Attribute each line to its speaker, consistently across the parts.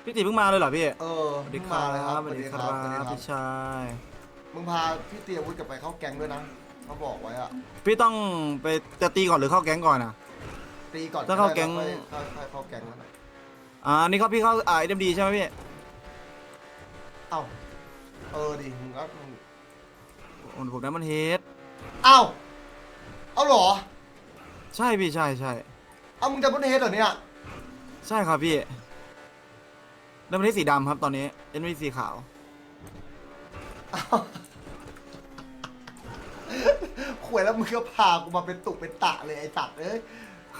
Speaker 1: พี่ตีเพิ่งมาเลยเหรอพี่สวัสดี
Speaker 2: เพิ่ง
Speaker 1: ครั
Speaker 2: มาเลยครับ
Speaker 1: บสวัสดีครั
Speaker 2: สวัสดีครับ
Speaker 1: บพี่ชาย
Speaker 2: มึงพาพี่เตียวุฒิกลับไปเข้าแก๊งด้วยนะเขาบอกไว้อะ
Speaker 1: พี่ต้องไปจะตีก่อนหรือเข้าแก๊งก่อนอ่ะ
Speaker 2: ตีก่อน
Speaker 1: ถ้าเข้าแก๊ง
Speaker 2: ค่อยเข้าแก๊งแล้วนะ
Speaker 1: นี่เขาพี่เข้าเอ็มดีใช่ไหมพี่
Speaker 2: เอ้าดิมึงก็
Speaker 1: ผมได้มันเฮด
Speaker 2: เอ้าเอาเหรอ
Speaker 1: ใช่พี่ใช่ใช่
Speaker 2: เอามึงจะพ้นเฮดเหรอเนี่ย
Speaker 1: ใช่ครับพี่ได้มันเฮดสีดำครับตอนนี้เอ็มดีสีขาว
Speaker 2: ขวยแล้วมึงก็พากูมาเป็นตุกเป็นตะเลยไอ้สัตว์เอ้ย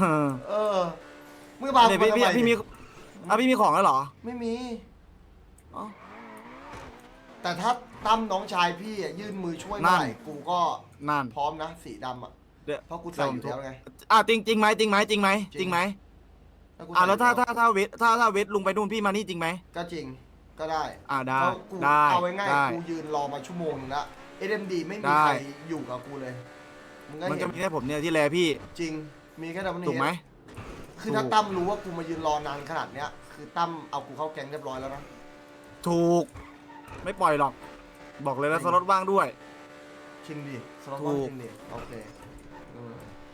Speaker 2: มึงพากู
Speaker 1: เนี่ย
Speaker 2: มา
Speaker 1: พี่
Speaker 2: ทำไม
Speaker 1: พี่มีพี่มีของแล้วเหรอ
Speaker 2: ไม่มี
Speaker 1: อ๋อ
Speaker 2: แต่ถ้าตั้มน้องชายพี่อะยื่นมือช่วย
Speaker 1: นั่
Speaker 2: เมื่อน ไหร่กูก็
Speaker 1: นั่น
Speaker 2: พร้อมนะสีดำอ่ะ
Speaker 1: เดี๋ยว
Speaker 2: เพราะกูใส่อยู่แล้วไง
Speaker 1: จริงไหมจริงไหมจริงไหมจริงไหม
Speaker 2: กูใส่
Speaker 1: แล้วถ้า
Speaker 2: อยู่
Speaker 1: ถ้าเวทลุงไปนู่นพี่มานี่จริงไหม
Speaker 2: ก็จริงก็ได้
Speaker 1: ได้
Speaker 2: เพราะกู
Speaker 1: ได้
Speaker 2: เอาไว้ง่าย
Speaker 1: ได้
Speaker 2: กูยืนรอมาชั่วโมงนึงละ SMD ไม่มี
Speaker 1: ได้
Speaker 2: ใครอยู่กับกูเลยมึงก็
Speaker 1: มัน
Speaker 2: เห็
Speaker 1: จะ
Speaker 2: น
Speaker 1: มีแค่ผมเนี่ยที่แลพี่
Speaker 2: จริงมีแค่ดับเบิล
Speaker 1: ถูกไหม
Speaker 2: คือถ้า
Speaker 1: ถูก
Speaker 2: ตั้มรู้ว่ากูมายืนรอนานขนาดเนี้ยคือตั้มเอากูเข้าแก๊งเรียบร้อยแล้วนะ
Speaker 1: ถูก ไม่ปล่อยหรอก บอกเลยนะสล็อตว่างด้วย
Speaker 2: ชิงดิสล็อต
Speaker 1: ถู
Speaker 2: ว่าง
Speaker 1: ก
Speaker 2: ชิงดิโอเคเออ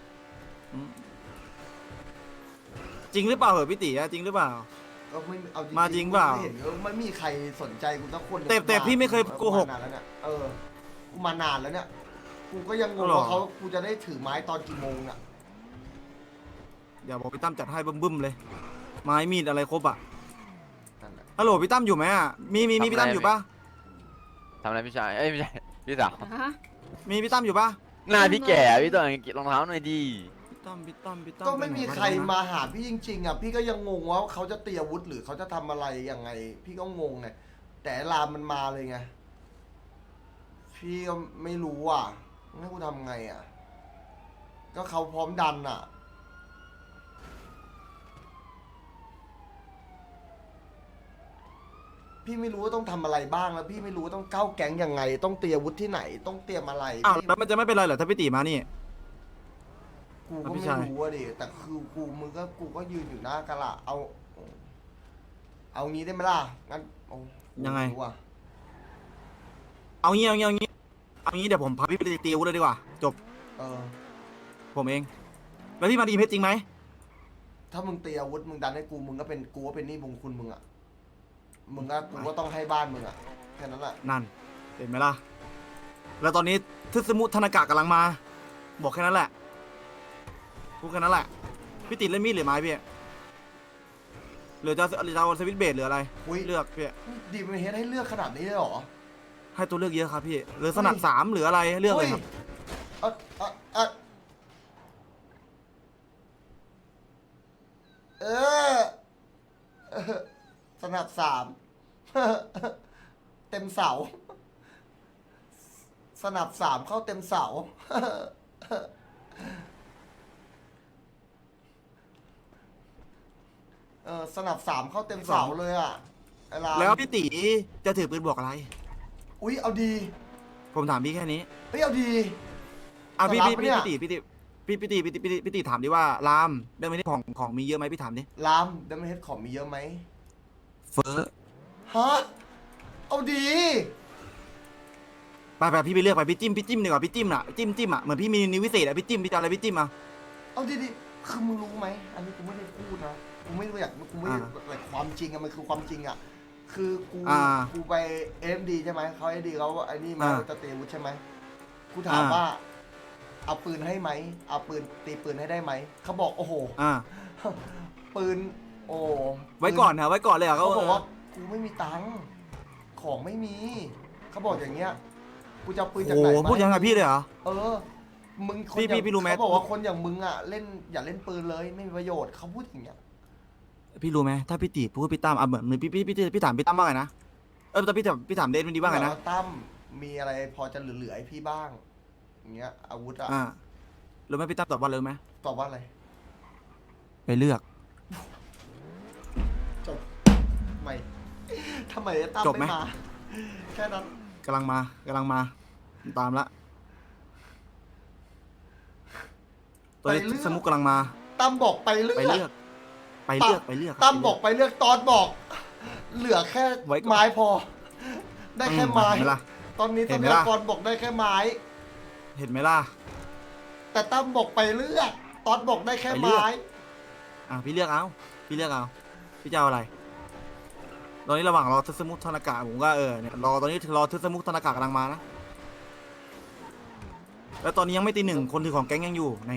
Speaker 1: จริงหรือเปล่าเหรอพี่ตีอะจริงหรือเปล่า
Speaker 2: ก็ไม่เอาจริง
Speaker 1: มาจริงเปล่า
Speaker 2: ไม่เห็นไม่มีใครสนใจกูสักคนเลย
Speaker 1: แต่พี่ไม่เคยโกหก
Speaker 2: มานานแล้วเนี่ยกูมานานแล้วเนี่ยกูก็ยังงง
Speaker 1: หรอ
Speaker 2: ว่ากูจะได้ถือไม้ตอนกี่โมงอ่ะ
Speaker 1: อย่าบอกพี่ตั้มจัดให้บึ้มๆเลย ไม้มีดอะไรครบอะ
Speaker 2: นั่นแหละ
Speaker 1: ฮัลโหลพี่ตั้มอยู่ไหมอะมีพี่ตั้มอยู่ปะ
Speaker 3: ทำอะไรพี่ชาย เอ้ยไม่ใช่ พี่สาว
Speaker 1: มีพี่ตั้มอยู่ปะ
Speaker 3: หน้าพี่แก่พี่ต้องรองเท้าหน่อยดี
Speaker 1: พี่ตั้ม
Speaker 2: ก็ไม่มี
Speaker 1: ปหน
Speaker 2: ใคร
Speaker 1: วะ
Speaker 2: มาหาพี่จริงๆอ่ะพี่ก็ยังงงว่าเขาจะเตรียมอาวุธหรือเขาจะทำอะไรยังไง พี่ก็งงไงแต่ลามมันมาเลยไงพี่ก็ไม่รู้อ่ะให้กูทำไงอ่ะก็เขาพร้อมดันอ่ะพี่ไม่รู้ว่าต้องทำอะไรบ้างแล้วพี่ไม่รู้ว่าต้องเข้าแก๊งยังไง ต้องเตรียมอาวุธที่ไหนต้องเตรียมอะไร
Speaker 1: อ้าว
Speaker 2: พี่
Speaker 1: แล้วมันจะไม่เป็นไรเหรอถ้าพี่ตีมานี่
Speaker 2: กูก็
Speaker 1: พี่
Speaker 2: ไม่
Speaker 1: ชาย
Speaker 2: รู้อะดิแต่คือกูก็ยืนอยู่หน้ากะละเอางี้ได้ไหมล่ะงั้นโอ้กู
Speaker 1: ยังไง
Speaker 2: ม่รู้อะ
Speaker 1: เอางี้เดี๋ยวผมพาพี่ไปตีอาวุธเลยดีกว่า จบ
Speaker 2: เออ
Speaker 1: ผมเอง แล้วพี่มาดีเพชรจริงไหม
Speaker 2: ถ้ามึงเตรียมอาวุธมึงดันให้กูมึงก็เป็นกูก็เป็นหนี้บุญคุณมึงอะมึงก็กูก็ต้องให้บ้านมึงอะแค่นั้นแหละ
Speaker 1: นั่น เห็นไหมล่ะ แล้วตอนนี้ทึสมุทธนากะกำลังมา บอกแค่นั้นแหละ พูดแค่นั้นแหละ พี่ติดเล่นมีดหรือไม้พี่หรือจะเอาสวิตช์เบสหรืออะไร
Speaker 2: อุ้ย
Speaker 1: เลือกพี่
Speaker 2: ดีมันเฮ็ดให้เลือกขนาดนี้เลยเหรอ
Speaker 1: ให้ตัวเลือกเยอะครับพี่ หรือสนับสามหรืออะไรเลือกเลยครับ
Speaker 2: เอยเอยเออเออสนับสาม เต็มเสา สนับสามเข้าเต็มเสา สนับสามเข้าเต็มเสาเลยอ่ะไอ้ลา
Speaker 1: แล้วพี่ตีจะถือปืนบอกอะไร
Speaker 2: อุ๊ยเอาดี
Speaker 1: ผมถามพี่แค่นี้
Speaker 2: เฮ้ยเอาดี
Speaker 1: พี่
Speaker 2: จะรับ
Speaker 1: พี่
Speaker 2: ปะเนี่ย
Speaker 1: พี่ตีถามดิว่ารามได้ไหมนี่ของมีเยอะไหมพี่ถามดิ
Speaker 2: ลามดัมเบิลเฮดของมีเยอะไหม
Speaker 1: เฟ้อ
Speaker 2: ฮะ เอาดี
Speaker 1: ไปพี่ไปเลือกไปพี่จิ้มดีกว่าพี่จิ้มน่ะจิ้มอ่ะเหมือนพี่มีนิววิเศษอ่ะพี่จิ้มพี่จะอะไรพี่จิ้มอ่ะ
Speaker 2: เอาดีๆคือมึงรู้ไหม อันนี้กูไม่ได้พูดนะ กูไม่รู้อยากกูไม่ได้แต่ความจริงอะมันคือความจริงอะคือกูไปเอ็มดีใช่ไหมเขาเอ็มดีเขาไอ้นี่มาจะเตะวุฒิใช่ไหมกูถามว่า เอาปืนให้ไหม เอาปืนตีปืนให้ได้ไหม เขาบอกโอ้โห ปืน โอ้
Speaker 1: ไว้ก่อนนะไว้ก่อนเลยอ่ะ
Speaker 2: เขา
Speaker 1: เขา
Speaker 2: บอกว่ากูไม่มีตังค์ ของไม่มี เขาบอกอย่างเงี้ย กูจะเอาปืนจาก
Speaker 1: โอ้
Speaker 2: ไหนมา
Speaker 1: พูดยังไงพี่เลยเหรอ
Speaker 2: เออ มึงคน
Speaker 1: พี่
Speaker 2: อย่าง
Speaker 1: รู้ไหม
Speaker 2: เขาบอกว่าคนอย่างมึงอ่ะเล่นอย่าเล่นปืนเลยไม่มีประโยชน์เขาพูดอย่างเงี้ย
Speaker 1: พี่รู้ไหมถ้าพี่ตีพูดพี่ตั้มอ่ะเหมือนพี่ถามพี่ตั้มว่าไงนะแต่พี่ถามเดนมันดีว่าไงนะ
Speaker 2: ตั้มมีอะไรพอจะเหลือๆให้พี่บ้างอย่างเงี้ยอาวุธอ่ะ
Speaker 1: รู้ไหมพี่ตั้มตอบว่าเลยไหม
Speaker 2: ตอบว่าอะไร
Speaker 1: ไปเลือก
Speaker 2: จบไม่ทำไมตั้ม
Speaker 1: จบไหม
Speaker 2: ไม่มาแค่นั้น
Speaker 1: กำลังมาตามละตัวนี้สมุกกำลังมา
Speaker 2: ตั้มบอกไปเลือก
Speaker 1: ไปเลือก
Speaker 2: ตั้มบอกไปเลือกตอนบอกเหลือแค่
Speaker 1: ไว้ก่อน
Speaker 2: ไม้พอ ได้แค่ไม้
Speaker 1: เห็นไหมล่ะ
Speaker 2: ตอนนี้ท
Speaker 1: เห็
Speaker 2: รั
Speaker 1: น
Speaker 2: พ
Speaker 1: ไหม
Speaker 2: ยา
Speaker 1: ล่ะ
Speaker 2: กรบอกได้แค่ไม้
Speaker 1: เห็นไหมล่ะ
Speaker 2: แต่ตั้มบอกไปเลือกตอนบอกได้แค่
Speaker 1: ไปเลือก
Speaker 2: ไม้
Speaker 1: พี่เลือกเอาพี่เลือกเอาพี่จะเอาอะไร ตอนนี้ระหว่างรอทึสมุทธนากะผมก็เนี่ยรอตอนนี้รอทึสมุทธนากะกำลังมานะแล้วตอนนี้ยังไม่ตีหนึ่งคนถือของแก๊งยังอยู่นี่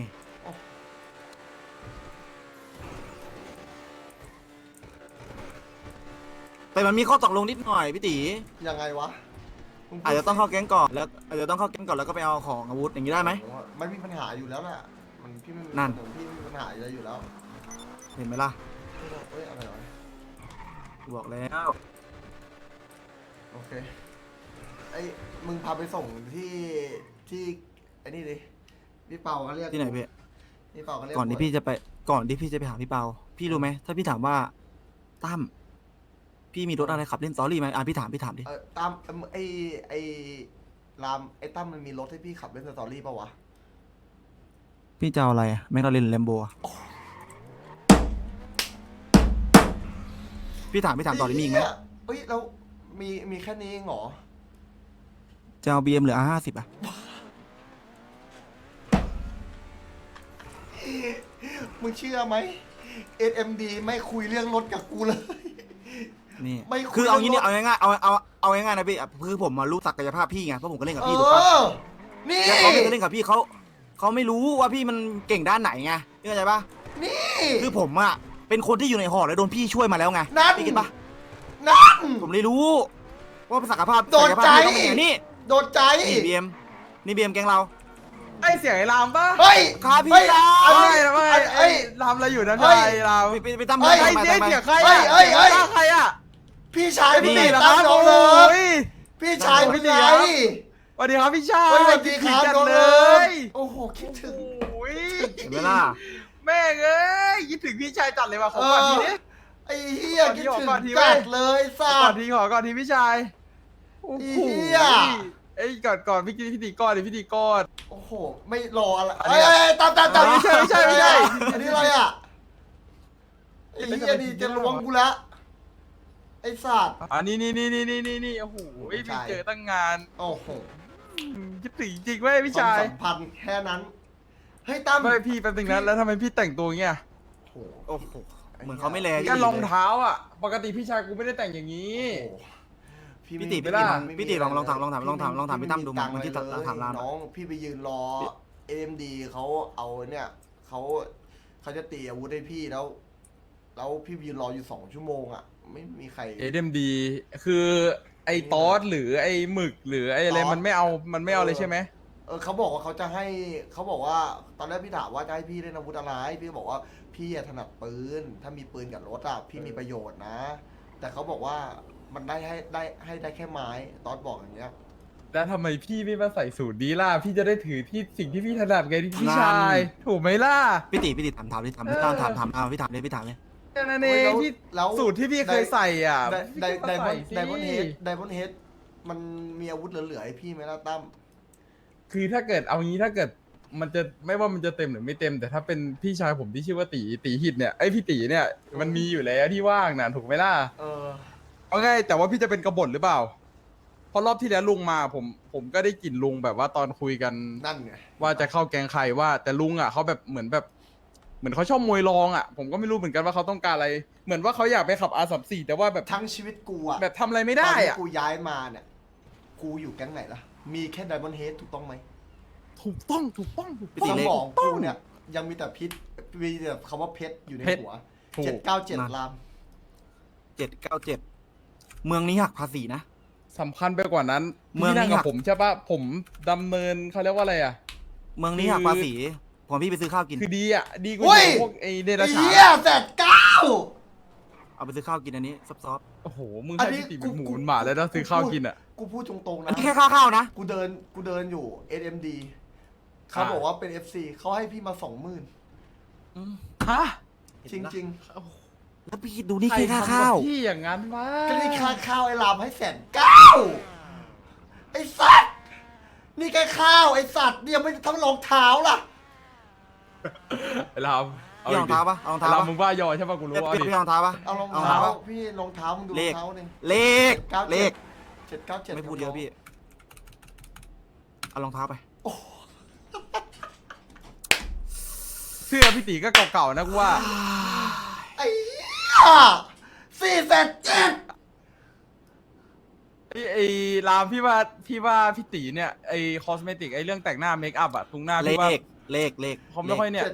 Speaker 1: แต่มันมีข้อตกลงนิดหน่อยพี่ตี
Speaker 2: ยังไงวะมึพูด
Speaker 1: อาจจะต้องเข้าแก๊งก่อนแล้วอาจจะต้องเข้าแก๊งก่อนแล้วก็ไปเอาของอาวุธอย่างนี้ได้ไหม
Speaker 2: ไม่มีปัญหาอยู่แล้วแหละมันพี่ไม่มี
Speaker 1: นั่น
Speaker 2: พี่ไม่มีปัญหาอะไรอยู่แล้ว
Speaker 1: เห็นไหมล่ะ
Speaker 2: เอ้ยอะไรวะ
Speaker 1: บอกแล้ว
Speaker 2: โอเคไอ้มึงพาไปส่งที่ไอ้นี่ดิพี่เปาเขาเรียก
Speaker 1: ที่ไหนพี่
Speaker 2: พี่เปาเขาเรียก
Speaker 1: ก่อนที่พี่จะไปหาพี่เปาพี่รู้ไหมถ้าพี่ถามว่าตั้มพี่มีรถอะไรขับเล่นสตอรี่ไหมพี่ถามดิ
Speaker 2: ตามไอ้รามไอ้ตั้มมันมีรถให้พี่ขับเล่นสตอรี่ป่าวะ
Speaker 1: พี่จะเอาอะไรแมคลาเรนแลมโบพี่ถามต่อได้มีอีกไหม
Speaker 2: เฮ้ยแล้วมีแค่นี้เองเหรอ
Speaker 1: จะเอาBMหรือR50อ่ะ
Speaker 2: มึงเชื่อไหม SMD ไม่คุยเรื่องรถกับกูเลย
Speaker 1: นี่
Speaker 2: ไม่คุย
Speaker 1: คือเอางี้เนี่ย
Speaker 2: เรื่องรถ
Speaker 1: เอาง่ายๆนะพี่คือผมมารู้ศักยภาพพี่ไงเพราะผมก็เล่นกับ
Speaker 2: เอ
Speaker 1: พี่ถูกปะ
Speaker 2: อ นี่
Speaker 1: แล้วเขาไม่เคยเล่นกับพี่เขาไม่รู้ว่าพี่มันเก่งด้านไหนไงเข้าใจปะ
Speaker 2: นี่
Speaker 1: คือผมอ่ะเป็นคนที่อยู่ในหอแล้วโดนพี่ช่วยมาแล้วไง
Speaker 2: นั่น
Speaker 1: พี่คิดปะ
Speaker 2: นั่น
Speaker 1: ผมเลยรู้ว่าศักยภาพ
Speaker 2: โดนใจ
Speaker 1: ศักยภาพพี่ต้องเป็นอย่างนี้
Speaker 2: โดนใจ
Speaker 1: นี่BM แกงเรา
Speaker 4: ไอเสียงไอ้รามปะ
Speaker 2: เฮ้ย
Speaker 1: ครับพี่
Speaker 2: เฮ้ย
Speaker 1: ดาว
Speaker 2: อัน
Speaker 4: ไม่
Speaker 2: นี้
Speaker 4: ไม่
Speaker 2: เฮ้ย
Speaker 4: รามอะไรอยู่นั่น
Speaker 2: เฮ้ย
Speaker 4: ไอ้ราม
Speaker 1: ไปตั้ม
Speaker 2: เฮ้ย
Speaker 4: ไอ้
Speaker 1: ไป
Speaker 4: เสียง
Speaker 1: ไป
Speaker 4: เสียงใคร
Speaker 2: เฮ้
Speaker 4: อะ
Speaker 2: ยเฮ้ยเฮ้ย
Speaker 4: ใครอะ
Speaker 2: พี่ชาย
Speaker 1: นี่
Speaker 2: พี่
Speaker 4: เหรอ
Speaker 2: ตั้
Speaker 4: ค
Speaker 2: ม
Speaker 4: รับ
Speaker 2: โดน
Speaker 4: โอ้
Speaker 2: เลย
Speaker 4: ย
Speaker 2: พี่ชาย
Speaker 4: โอ้ย
Speaker 2: พี่
Speaker 4: ดี
Speaker 2: ไง
Speaker 4: ครับ สวัสดีครับพี่ชาย
Speaker 2: เฮ้ยสวัสดีครับ
Speaker 4: คิดถึงจั
Speaker 2: โด
Speaker 4: ง
Speaker 2: น
Speaker 4: เล
Speaker 2: เลย
Speaker 4: ย
Speaker 2: โอ้โหคิดถึง
Speaker 4: โอ้ย
Speaker 1: เห็นไหมล่ะ
Speaker 4: แม่งเอ้ยคิดถึงพี่ชายจัดเลยว่ะขอก่อนทีนี้
Speaker 2: ไอ้เหี้ย
Speaker 4: ขอ
Speaker 2: คิด
Speaker 4: ที
Speaker 2: ถึง
Speaker 4: ขอทีเว้
Speaker 2: จั
Speaker 4: ย
Speaker 2: ดเลยสั
Speaker 4: ก่อ
Speaker 2: ต
Speaker 4: น
Speaker 2: ว์
Speaker 4: ทีขอทีพี่ชายโอ้
Speaker 2: ไอ้
Speaker 4: โห
Speaker 2: เหี้ย
Speaker 4: ไอ้ยก่อนพี่กินพิธีกรดิพิธีกร
Speaker 2: โอ้โหไม่รออะไร
Speaker 4: อันนี้
Speaker 2: เอ้ยตาม
Speaker 4: ไม่ใช่ไม่ใช่
Speaker 2: อันนี้อะไรอ่ะไอ้เหี้ยนี่จะล้วงกูละไอ้สัตว์
Speaker 4: อันนี้นี่โอ้โหไม่เจอตั้งงาน
Speaker 2: โอ้โห
Speaker 4: คิดถึงจริงเว้ยพี่
Speaker 2: ความ
Speaker 4: ชาย
Speaker 2: สัมพันธ์แค่นั้นเฮ้ยตั้ม
Speaker 4: ไม่พี่แป๊บนึงนะแล้วทำไมพี่แต่งตัวเงี้ย
Speaker 2: โอ้โห
Speaker 1: โอ้โหเหมือนเขาไม่แล
Speaker 4: แค่รองเท้าอ่ะ ปกติพี่ชายกูไม่ได้แต่งอย่างนี้
Speaker 2: โอ้โห
Speaker 1: พี่ติ
Speaker 4: ไม่ได้
Speaker 1: พี่ติลองถามพี่ตั้มดูมันที่ถามราม
Speaker 2: น้องพี่ไปยืนรอ AMD เขาเอาเนี่ยเขาจะตีอาวุธให้พี่แล้วพี่ไปยืนรออยู่2 ชั่วโมงอ่ะไม่มีใคร
Speaker 4: AMD คือไอ้ตอสหรือไอ้หมึกหรือไอ้อะไร
Speaker 2: ตอส
Speaker 4: มันไม่เอาเลยใช่ไหม
Speaker 2: เขาบอกว่าเขาจะให้เขาบอกว่าตอนแรกพี่ถามว่าจะให้พี่เล่นอาวุธอะไรพี่ก็บอกว่าพี่อะถนัดปืนถ้ามีปืนกับรถอะพี่มีประโยชน์นะ แต่เขาบอกว่ามันได้ได้แค่ไม้ตอสบอกอย่างเงี้ย
Speaker 4: แล้วทำไมพี่ไม่มาใส่สูตรนี้ล่ะ พี่จะได้ถือที่สิ่งที่พี่ถนัดไงที่พี่ชาย ถูกไหมล่ะ
Speaker 1: พี่ติถามพี่ตั้มถามพี่ถามเลย
Speaker 4: แค่นั้นเองที่
Speaker 2: แล้ว
Speaker 4: สูตรที่พี่เคยใส่อ่ะ
Speaker 2: ได
Speaker 4: พี่ก็ใส่สิ
Speaker 2: มอนเฮดมันมีอาวุธเหลือๆให้พี่ไหมล่ะตั้ม
Speaker 4: คือถ้าเกิดเอางี้ถ้าเกิดมันจะไม่ว่ามันจะเต็มหรือไม่เต็ม แต่ถ้าเป็นพี่ชายผมที่ชื่อว่าตีหิตเนี่ยไอยพี่ตีเนี่ยมันมีอยู่แล้วที่ว่างนะถูกไหมล่ะ
Speaker 2: เออ
Speaker 4: เอาไงแต่ว่าพี่จะเป็นกบฏหรือเปล่าเพราะรอบที่แล้วลุงมาผมก็ได้กลิ่นลุงแบบว่าตอนคุยกัน
Speaker 2: นั่นไง
Speaker 4: ว่าจะเข้าแกงใครว่า แต่ลุงอ่ะเขาแบบเหมือนเขาชอบมวยรองอ่ะ ผมก็ไม่รู้เหมือนกันว่าเขาต้องการอะไร เหมือนว่าเขาอยากไปขับ R34 แต่ว่าแบบ
Speaker 2: ทั้งชีวิตกูอะ
Speaker 4: แบบทำอะไรไม่ได้
Speaker 2: ตอนที่
Speaker 4: อ่ะ
Speaker 2: กูย้ายมาเนี่ยกูอยู่แก๊งไหนล่ะมีแค่ไดมอนเฮดถูกต้องไหม
Speaker 4: ถูกต้อง
Speaker 1: พี่
Speaker 2: ส
Speaker 1: ติ
Speaker 2: ม
Speaker 1: เล็ก
Speaker 2: องกูเนี่ยยังมีแต่พิษมีแต่คำว่าเพชรอยู่ใน
Speaker 4: เพชร
Speaker 2: หัว
Speaker 4: ถูก
Speaker 2: 797ลาม
Speaker 1: 797เมืองนี้หักภาษีนะ
Speaker 4: สำคัญไปกว่านั้น
Speaker 1: เมือง
Speaker 4: พี่นั่ง
Speaker 1: นี้
Speaker 4: กับ
Speaker 1: หัก
Speaker 4: ผมใช่ปะผมดำเนินเขาเรียกว่าอะไรอ่ะ
Speaker 1: เมืองนี้หักภาษีผมพี่ไปซื้อข้าวกิน
Speaker 4: คือดีอ่ะ ดีกว่า
Speaker 2: เฮ้ย
Speaker 4: พวกไอเด
Speaker 2: ไอ้
Speaker 4: รัจฉาน
Speaker 2: เหี้ย109
Speaker 1: เอาไปซื้อข้าวกินอันนี้ซอฟ
Speaker 4: โอ้โห มึง
Speaker 2: อัน
Speaker 4: ให้
Speaker 2: นี้
Speaker 4: พี่ตี
Speaker 2: กู
Speaker 4: เป็นหมู
Speaker 2: กู
Speaker 4: เป็นหมาแล้วนะซื้อข้าวกินอ่ะ
Speaker 2: กูพูดตรงๆ
Speaker 1: ๆอั
Speaker 2: นะ
Speaker 1: นนี้แค่ข้าวนะ
Speaker 2: กูเดินอยู่ SMD เขาบอกว่าเป็น FC เขาให้พี่มา 20,000
Speaker 4: ฮะ
Speaker 2: จริง
Speaker 1: แล้วพี่ดูนี่
Speaker 4: ใคร
Speaker 1: แค่
Speaker 4: ทำ
Speaker 1: ข้าว
Speaker 4: กับพี่อย่างนั้นวะ
Speaker 2: ๆก็นี่ค่าข้าวไอ้ลามให้109ไอ้สัตว์นี่แค่ข้าวไอ้สัตว์นี่ยังไม่ทำรองเท้าล่ะ
Speaker 4: ไอ้รามเอ
Speaker 1: พี่รองเท้าปะเอารองเท้า
Speaker 4: เรา
Speaker 1: ปะ
Speaker 4: มึงว่ายอใช่ปะกูรู้ว่า
Speaker 1: พี่รองเท้าปะ
Speaker 2: เอารอง
Speaker 1: เอา
Speaker 2: เท้าร
Speaker 1: องเท้า
Speaker 2: พี่รองเท้ามึงดูร
Speaker 1: เล
Speaker 2: อง
Speaker 1: ข
Speaker 2: เท้าดิ
Speaker 1: เลขเลข
Speaker 2: 797
Speaker 1: ไม่พูดเยอะพี่เอารองเท้าไป
Speaker 4: เสื้อพี่ตีก็เก่าๆนะกูว่า
Speaker 2: ไอ้4,700,000
Speaker 4: ไอ้รามพี่ว่าพี่ตีเนี่ยไอ้คอสเมติกไอ้เรื่องแต่งหน้าเมคอัพอะตรงหน้า
Speaker 1: เล
Speaker 4: พี่ว่า
Speaker 1: ขเลข
Speaker 4: เขาไม่ค่อยเนี่ย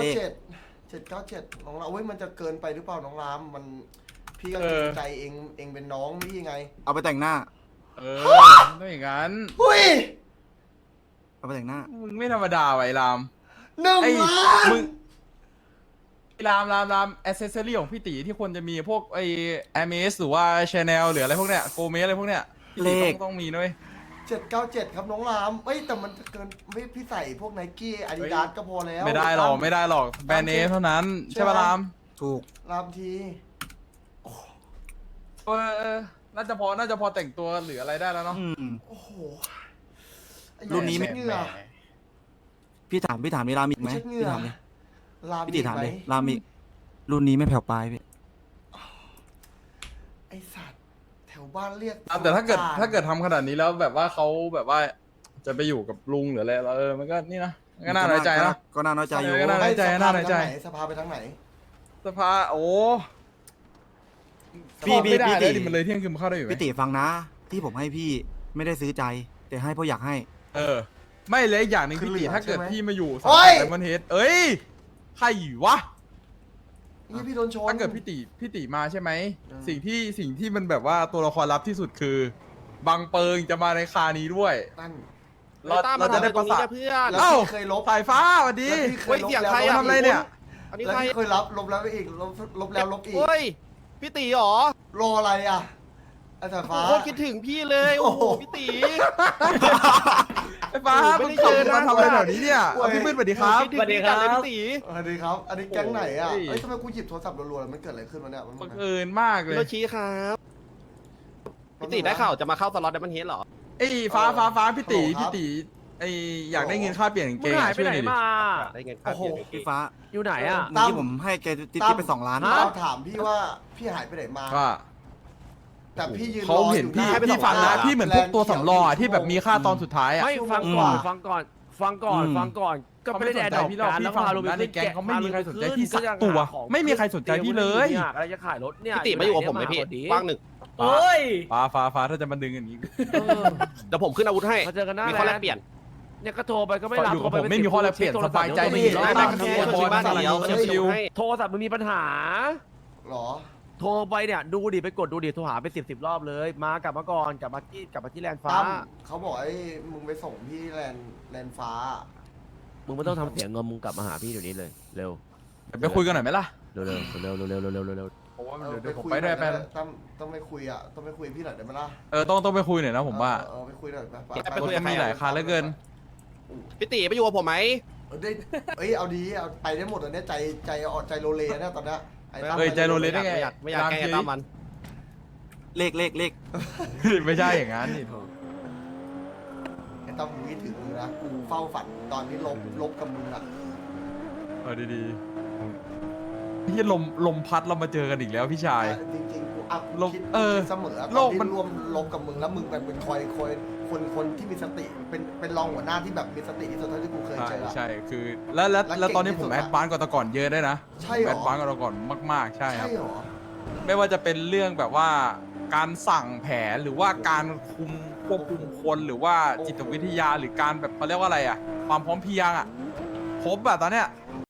Speaker 2: 797น้องรามเว้ยมันจะเกินไปหรือเปล่าน้องรามมันพี่ก็
Speaker 4: เอ
Speaker 2: เกร
Speaker 4: อ
Speaker 2: งใจเองเป็นน้องพี่ไง
Speaker 1: เอาไปแต่งหน้า
Speaker 4: ต้องอย่างนั้น
Speaker 2: หุ้ย
Speaker 1: เอาไปแต่งหน้า
Speaker 4: มึงไม่ธรรมดาว่ะไอ้ราม
Speaker 2: 1
Speaker 4: ไอ้
Speaker 2: ล้าน
Speaker 4: มึงไอ้รามแอสเซสซอรี่ของพี่ตีที่ควรจะมีพวกไอ้แอมเมสหรือว่าชาแนลหรืออะไรพวกเนี้ยโกเมสอะไรพวกเนี้ยพี่ตีต้องมีด้วย
Speaker 2: 797ครับน้องรามเอ้ยแต่มันจะเกินไม่พี่ใส่พวกไนกี้อาดิดาสก็พอแล้ว
Speaker 4: ไม่ได้หรอกแบรนด์เนมเท่านั้นใช่ป่ะราม
Speaker 1: ถูก
Speaker 2: รามที
Speaker 4: น่าจะพอแต่งตัวหรืออะไรได้แล้วเนาะ
Speaker 2: โอ้โหไอ้
Speaker 1: รุ่นนี้ไม่
Speaker 2: เช็ดเหงื่อ
Speaker 1: พี่ถามมีรามอีกไหม
Speaker 2: เช็ดเหงื่
Speaker 1: พี่
Speaker 2: อ
Speaker 1: ถามเลย
Speaker 2: ราม
Speaker 1: พี่ติถาม
Speaker 2: ไหม
Speaker 1: เลยรามอีกรุ่นนี้ไม่แผ่วปลายพี่
Speaker 2: ไอสัตว์แถวบ้านเรียก
Speaker 4: แต่ถ้าเกิดทำขนาดนี้แล้วแบบว่าเขาแบบว่าจะไปอยู่กับลุงหรืออะไรแล้วมันก็นี่นะก็น่าน้อยใจนะ
Speaker 1: ก็น่าน้อยใจอยู่
Speaker 4: ก็น่าน้อยใจ
Speaker 2: สภาไปทางไหนสภาไปทางไหน
Speaker 4: สภาโอ้
Speaker 1: พี่
Speaker 4: ไม่ได้
Speaker 1: พี่
Speaker 4: เลย
Speaker 1: ติ
Speaker 4: ดิมันเลยเที่ยงคืนมันเข้าได้อยู่ไหม
Speaker 1: พี่ติฟังนะ ที่ผมให้พี่ไม่ได้ซื้อใจ แต่ให้เพราะอยากให้
Speaker 4: ไม่เลยอีกอย่างหนึ่ง
Speaker 2: คือ
Speaker 4: พี่ตี
Speaker 2: เหลือ
Speaker 4: ถ้าเกิด
Speaker 2: ใช่ไหม
Speaker 4: พี่มาอยู่
Speaker 2: โอ้ย
Speaker 4: ไดมอนเฮดเอ้ยใครวะ
Speaker 2: นี่พี่โดนชน
Speaker 4: ถ้าเกิดพี่ตีมาใช่ไหม
Speaker 2: อืม
Speaker 4: สิ่งที่มันแบบว่าตัวละครลับที่สุดคือ บังเปิงจะมาในคานี้ด้วย
Speaker 2: นั่น
Speaker 4: เราจะได้ประสาน
Speaker 5: เพื่อน
Speaker 2: แล้ว
Speaker 4: เอ้า
Speaker 2: พี่เคยลบ
Speaker 4: สายฟ้าสวัสดี
Speaker 2: แล้วพี่เค
Speaker 5: เฮ้
Speaker 2: ย
Speaker 5: ย
Speaker 2: ลบ
Speaker 5: เสียง
Speaker 2: แล้ว
Speaker 5: ใคร
Speaker 2: ล
Speaker 5: อะ
Speaker 4: ทำอะไรเนี่ย
Speaker 5: อันนี้
Speaker 2: แล้ว
Speaker 5: ใคร
Speaker 2: พี่เคยลบแล้วอีกลบแล้วลบอีก
Speaker 5: เฮ้ย พี่ตีเหรอ
Speaker 2: รออะไรอ่ะไอ้สายฟ้า
Speaker 5: โคตรคิดถึงพี่เลย โอ้โห พี่ตี
Speaker 4: ไอ้ฟ้า
Speaker 5: ไม่
Speaker 4: มึง
Speaker 5: ได้
Speaker 4: ขับ
Speaker 5: เจอนะ
Speaker 4: มาทำอะไรแถวนี้เนี่ยเอาพี่มืดสวัสดีครับ
Speaker 5: คิดถึงพี่จังเลยพี่ตี
Speaker 2: สวัสดีครับ อันนี้แก๊งไหนอ่ะ
Speaker 4: โอ้ย
Speaker 2: เอ้ยทำไมกูหยิบโทรศัพท์รัวๆแล้วมันเกิดอะไรขึ้นวะเนี่ยมัน
Speaker 4: บังเอิญมากเล
Speaker 5: พี่
Speaker 4: ย
Speaker 5: โรชิครับ พี่ตีได้ข่าวจะมาเข้าสล็อตดับเบิลเฮดเหรอ
Speaker 4: ไอ้ฟ้าพี่ตี
Speaker 2: ฮัลโหลครับ
Speaker 4: พี่ตีไอ้อยากได้เงินค่าเปลี่ยนกางเก
Speaker 6: มึง
Speaker 4: ง
Speaker 6: หายไปไหน
Speaker 4: ช่วอยดิ
Speaker 6: มา
Speaker 5: ได้เงินค่าเปลี่ยนกางเก
Speaker 1: พี่
Speaker 5: ง
Speaker 1: ฟ้า
Speaker 6: อยู่ไหนอ่ะ
Speaker 1: เมื่อกี้ผมให้แกติ๊บไป2 ล้าน
Speaker 2: เราถามพี่ว่าพี่หายไปไหนมา
Speaker 4: ว่า
Speaker 2: แต่พี่ยืนร
Speaker 4: เขา
Speaker 2: อ
Speaker 4: เห็น
Speaker 2: อยู่
Speaker 4: พี่
Speaker 2: หน้า
Speaker 4: พี่ฟังนะ
Speaker 2: ร้า
Speaker 4: พี่เหมือนพวกตัวสำรองอะที่แบบมีค่าตอนสุดท้ายอ่ะ
Speaker 6: ไม่
Speaker 2: ชั่วโมง
Speaker 6: ฟัง
Speaker 2: ก
Speaker 6: ก่อ
Speaker 2: ว่า
Speaker 6: นฟังก่อนก็
Speaker 4: เขา
Speaker 6: ไม่
Speaker 4: ไม่
Speaker 6: ได้
Speaker 4: สน
Speaker 6: แดด
Speaker 4: ใจ
Speaker 6: ดอก
Speaker 4: พี่หรอก
Speaker 6: กัน
Speaker 4: พี่
Speaker 6: แล้ว
Speaker 4: ฟัง
Speaker 6: พา
Speaker 4: ผ
Speaker 6: โร
Speaker 4: ม
Speaker 6: บิน
Speaker 4: นะในแก๊งเขาไม่มีใครสนใจ
Speaker 6: ขึ้
Speaker 4: พี่สัก
Speaker 6: ก็ยัง
Speaker 4: ตัว
Speaker 6: หาของ
Speaker 4: ไม่มีใครสนใจพี่เลย
Speaker 6: อะไรจะขายรถเนี่ย
Speaker 5: พี่ตีมาอยู่กับผมไหมพี่ว่างหนึ่ง
Speaker 6: โอ้ย
Speaker 4: ฟ้าถ้าจะมาดึงอย่างนี้
Speaker 5: เดี๋ยวผมขึ้นอาวุธให้
Speaker 6: มาเจอกันหน้า
Speaker 5: มีข้อแลก
Speaker 6: ร้าน
Speaker 5: เปลี่ยน
Speaker 6: เนี่ยก็โทรไปก็ไม่รับ
Speaker 4: อยู่กับ
Speaker 6: โทร
Speaker 4: ผมไม่มีข้อแลกเปลี่ยนสบายใจดี
Speaker 6: โทร
Speaker 5: ไม่
Speaker 6: ศั
Speaker 5: ไม่
Speaker 6: พท์
Speaker 5: แค่
Speaker 6: มึง
Speaker 5: ชวนบ้านเดียว
Speaker 4: ชิว
Speaker 5: ให้
Speaker 6: โทรศัพท์มึงมีปัญหา
Speaker 2: หรอ
Speaker 6: โทรไปเนี่ยดูดิไปกดดูดิโทรหาไป10 รอบเลย มากลับมาก่อนกลับมาที่แลนด์ฟ้า
Speaker 2: ตั้มเขาบอกไอ้มึงไปส่งที่แลนด์ฟ้า
Speaker 6: มึงไม่ต้องทำเสียงเงินมึงกลับมาหาพี่เดี๋ยวนี้เลยเร็ว
Speaker 4: ไปคุยกันหน่อยไหมล่ะ
Speaker 6: เร็วเร็ว
Speaker 4: ผมว่า
Speaker 2: เออ
Speaker 4: เดี๋ยวผม
Speaker 2: คุ
Speaker 4: ไปด้วย
Speaker 2: ห
Speaker 4: ไป
Speaker 2: น่อตั้มต้องไปคุยอ่ะต้องไปคุยพี่หน่อยได้ไหมล่ะ
Speaker 4: ต้องไปคุยหน่อยนะผมว่า
Speaker 2: เออไปคุยหน่อยไป
Speaker 5: ไป
Speaker 4: รถ
Speaker 5: คุยกับ
Speaker 4: ก็มีหลายคันเหลือเกิน
Speaker 5: พี่ตีไปอยู่กับผมไหม
Speaker 2: ได้เอ้ยเอาดีเอาไปได้หมดตอนเนี้ยใจโลเลเนี่ยตอนเนี้ยไอ้ตั้ม
Speaker 4: เอ้ยใจโลเลได้ไง
Speaker 5: ไม่อยากแกล้งไอ้ตั้มมัน
Speaker 1: เลข
Speaker 4: ไม่ใช่อย่างนั้นนี่
Speaker 2: ไอ้ตั้มมึงคิดถึงมึงนะกูเฝ้าฝันตอนที่ลบกับมึงอ่ะ
Speaker 4: ดีๆที่ลมพัดเรามาเจอกันอีกแล้วพี่ชาย
Speaker 2: จริงๆกูอ่ะกู
Speaker 4: โลก
Speaker 2: คิด
Speaker 4: เออ
Speaker 2: เสมอ
Speaker 4: โล
Speaker 2: ตอน
Speaker 4: ก
Speaker 2: ที่
Speaker 4: มัน
Speaker 2: ร่วมลบกับมึงแล้วมึงเป็นคอยคนที่มีสติเป็นรองหัวหน้าที่แบบมีสติที่สุดเท่าที่กูเคย
Speaker 4: ใช่
Speaker 2: เจออะ
Speaker 4: ใช่คือแล้วตอนนี้ผม
Speaker 2: เก่งที่สุด
Speaker 4: แอดวานซ์กว่าแต่ก่อนเยอะได้วยนะ
Speaker 2: ใช่เหรอ
Speaker 4: แอดวานซ์กว่าแต่ก่อนมากๆใช่ครับ
Speaker 2: ใช่เหรอ
Speaker 4: ไม่ว่าจะเป็นเรื่องแบบว่าการสั่งแผนหรือว่าการควบคุมคนหรือว่าจิตวิทยาหรือการแบบเขาเรียกว่าอะไรอ่ะ ความพร้อมเพรียงอ่ะครบอ่ะตอนเนี้ย